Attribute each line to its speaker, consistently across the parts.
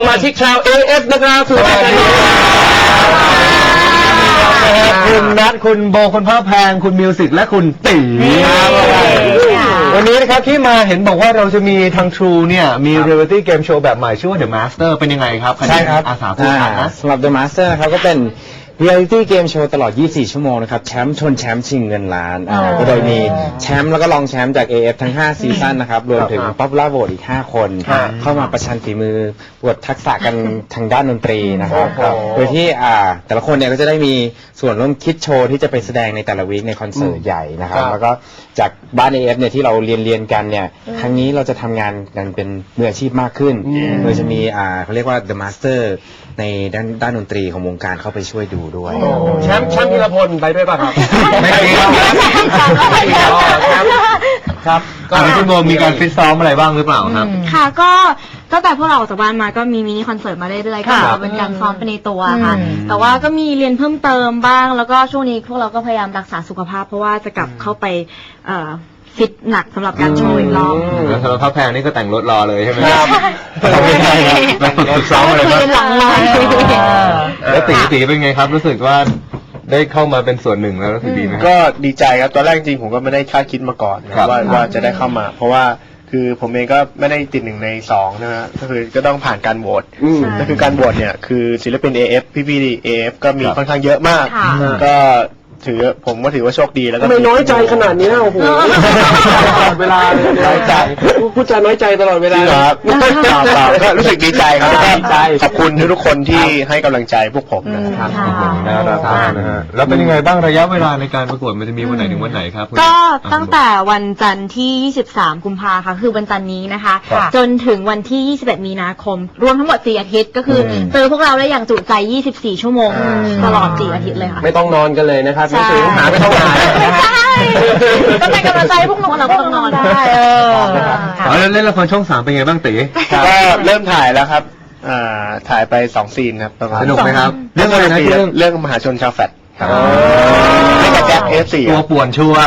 Speaker 1: มาที่ชาว AF นะครับคุณ
Speaker 2: นัทคุณโบคุณพ่อแพงคุณมิวสิกและคุณตีวันนี้นะครับที่มาเห็นบอกว่าเราจะมีทาง True เนี่ยมีเรียลิตี้เกมโชว์แบบใหม่ชื่อว่า The Master เป็นยังไงครับใช่ครับอาสาพูดนะ
Speaker 3: สำหรับ The Master นะครับก็เป็น Reality Game Show ตลอด 24 ชั่วโมงนะครับแชมป์ชนแชมป์ชิงเงินล้านก็โดยมีแชมป์แล้วก็รองแชมป์จาก AF ทั้ง 5 ซีซั่นนะครับรวมถึง Popular Vote อีก 5 คนเข้ามาประชันฝีมือปวดทักษะกันทางด้านดนตรีนะครับโดยที่แต่ละคนเนี่ยก็จะได้มีส่วนร่วมคิดโชว์ที่จะไปแสดงในแต่ละวีคในคอนเสิร์ตใหญ่นะครับแล้วก็จากบ้าน AF เนี่ยที่เราเรียนกันเนี่ยครั้งนี้เราจะทำงานกันเป็นมืออาชีพมากขึ้นโดยจะมีเขาเรียกว่า The Master ในด้านดนตรีของวงการเข้าไปช่วยดูด้วย
Speaker 1: แชมป์ธีรพลไปด้วยป่ะครับ
Speaker 2: ไม่ไปครับก็คุณโบมีการฟิตซ้อมอะไรบ้างหรือเปล่าครับ
Speaker 4: ค่ะก็ตั้งแต่พวกเราออกจากบ้านมาก็มีมินิคอนเสิร์ตมาเรื่อยๆก็เป็นการซ้อมไปในตัวค่ะแต่ว่าก็มีเรียนเพิ่มเติมบ้างแล้วก็ช่วงนี้พวกเราก็พยายามรักษาสุขภาพเพราะว่าจะกลับเข้าไปฟิตหนักสำหรับการโชว์อีกรอบ
Speaker 2: แล้วสำหรับพ่อแพงนี่ก็แต่งรถรอเลยใช่ไหมครับไม่ใช่ครับฝึกซ้อมอะไรบ้าง
Speaker 4: หลังเลย
Speaker 2: แล้วตีเป็นไงครับรู้สึกว่าได้เข้ามาเป็นส่วนหนึ่งแล้วรู้สึกดีไหม
Speaker 5: ก็ดีใจครับตอนแรกจริงผมก็ไม่ได้คาดคิดมาก่อนว่าจะได้เข้ามาเพราะว่าคือผมเองก็ไม่ได้ติด1 ใน 2นะฮะก็คือก็ต้องผ่านการโหวตก็คือการโหวตเนี่ยคือศิลปิน AF พี่ๆ AF ก็มีค่อนข้างเยอะมากก็ผมก็ถือว่าโชคดีแล้วก็
Speaker 1: ไม่น้อยใจขนาดนี้โอ้โหตลอดเวลาน้อยใจพูดจาน้อยใจตลอดเวลา
Speaker 5: ครับก็รู้สึกดีใจครับขอบคุณทุกคนที่ให้กำลังใจพวกผมนะครับ
Speaker 2: แล้วเป็นยังไงบ้างระยะเวลาในการประกวดมันจะมีวันไหนถึงวันไหนครับ
Speaker 4: ก็ตั้งแต่วันจันทร์ที่23กุมภาค่ะคือวันจันทร์นี้นะคะจนถึงวันที่21มีนาคมรวมทั้งหมด4 อาทิตย์ก็คือเจอพวกเราได้อย่างจุใจ24 ชั่วโมงตลอด4 อาทิตย์เลยค่ะ
Speaker 1: ไม่ต้องนอนกันเลยนะครับไม่ต้องหาไม่ต้องหา
Speaker 4: ใช่ก็เป็นกำลังใจพวกเราก็ต้องนอนได้
Speaker 2: แล้วเล่นละครช่อง3เป็นไงบ้างตี
Speaker 5: ก็เริ่มถ่ายแล้วครับถ่ายไป2 ซีนครับ
Speaker 2: สนุกไหมครับเรื่องอะไรนะ
Speaker 5: เรื่องมหาชนชาวแฟดเล่นกับแจ็คF4
Speaker 2: ตัวป่วนชัวร์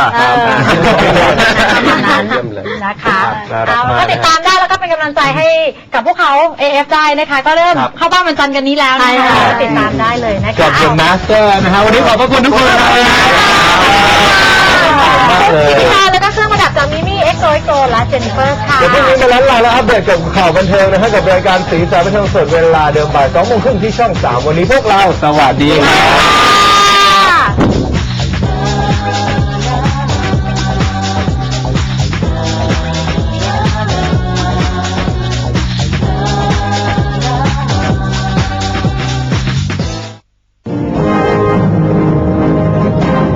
Speaker 4: นะคะก็ติดตามได้แล้วก็เป็นกำลังใจให้กับพวกเขา AF ได้นะคะก็เริ่มเข้าบ้านวันจันทร์กันนี้แล้วนะคะติดตามได้เลยนะคะ
Speaker 2: กับ The Master นะคะวันนี้ขอบพระคุณทุกคนครับ
Speaker 4: พี่ชายแล้วก็เครื่องประดับจากมิมี่XOและเจนนิเฟอร์ค่ะ
Speaker 2: เดี๋ยวพรุ่งนี้มาล้านแล้วอัปเดตกับข่าวบันเทิงนะฮะกับรายการสีสันบันเทิงสดเวลาเดิมบ่าย 2 โมงครึ่งที่ช่อง 3วันนี้พวกเราสวัสดีครับ